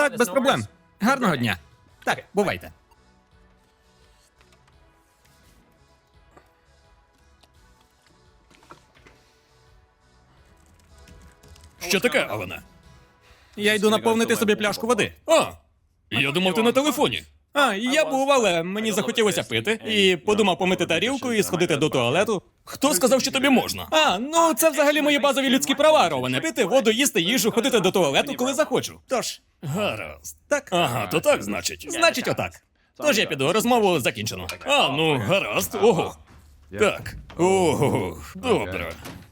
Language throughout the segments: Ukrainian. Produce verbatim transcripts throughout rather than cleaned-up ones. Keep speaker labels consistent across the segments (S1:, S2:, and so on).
S1: Так, без проблем. Гарного дня. Так, бувайте.
S2: Що таке, Алана?
S1: Я йду наповнити собі пляшку води.
S2: А, я думав, ти на телефоні.
S1: А, я був, але мені захотілося пити. І подумав помити тарілку і сходити до туалету.
S2: Хто сказав, що тобі можна?
S1: А, ну це взагалі мої базові людські права, Роване. Пити воду, їсти їжу, ходити до туалету, коли захочу. Тож,
S2: Гаразд.
S1: так.
S2: Ага, то так, значить.
S1: Значить, отак. Тож я піду, розмову закінчено.
S2: А, ну, гаразд. Ого. Так. Ого, добре.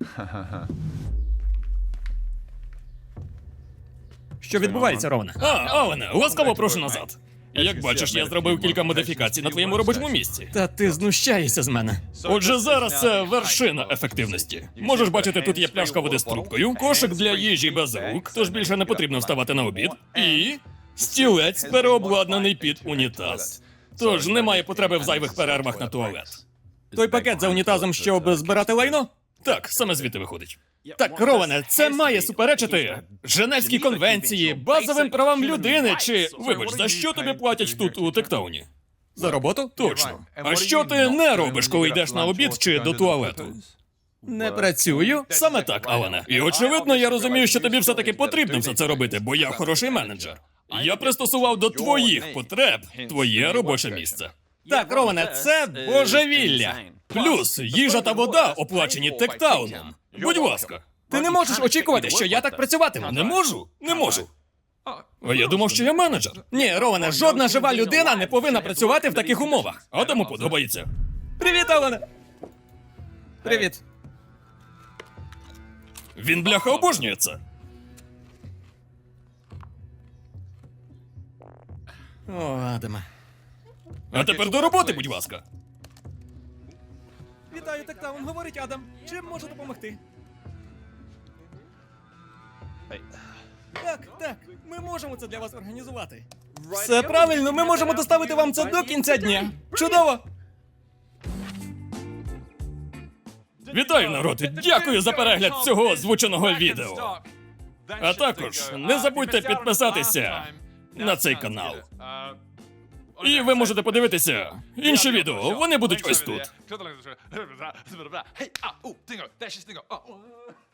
S1: Що відбувається, Роване?
S2: А, Алане, ласкаво прошу назад. Як бачиш, я зробив кілька модифікацій на твоєму робочому місці.
S1: Та ти знущаєшся з мене.
S2: Отже, зараз це вершина ефективності. Можеш бачити, тут є пляшка води з трубкою, кошик для їжі без рук, тож більше не потрібно вставати на обід, і стілець переобладнаний під унітаз. Тож немає потреби в зайвих перервах на туалет.
S1: Той пакет за унітазом, щоб збирати лайно?
S2: Так, саме звідти виходить.
S1: Так, Роване, це має суперечити
S2: Женевській конвенції, базовим правам людини чи. Вибач, за що тобі платять тут у Тектауні?
S1: за роботу?
S2: Точно. А що ти не робиш, коли йдеш на обід чи до туалету?
S1: Не працюю.
S2: Саме так, Алане. І очевидно, я розумію, що тобі все-таки потрібно все це робити, бо я хороший менеджер. Я пристосував до твоїх потреб твоє робоче місце.
S1: Так, Роване, це божевілля.
S2: Плюс їжа та вода оплачені Тектауном. Будь ласка.
S1: Ти не можеш очікувати, що я так працюватиму.
S2: Не можу? Не можу. А я думав, що я менеджер.
S1: Ні, Роване, жодна жива людина не повинна працювати в таких умовах.
S2: Адаму подобається.
S1: Привіт, Роване. Привіт.
S2: Він, бляха, обожнює це.
S1: О, Адаме.
S2: А тепер до роботи, будь ласка.
S1: Вітаю, Тектаун, говорить Адам. Чим можу допомогти? Так, так, ми можемо це для вас організувати. Все правильно, ми можемо доставити вам це до кінця дня. Чудово!
S2: Вітаю, народ! Дякую за перегляд цього озвученого відео. А також не забудьте підписатися на цей канал. І ви можете подивитися інші відео, вони будуть ось тут.
S3: Hey, ah, oh, dingo, dash this dingo. Oh.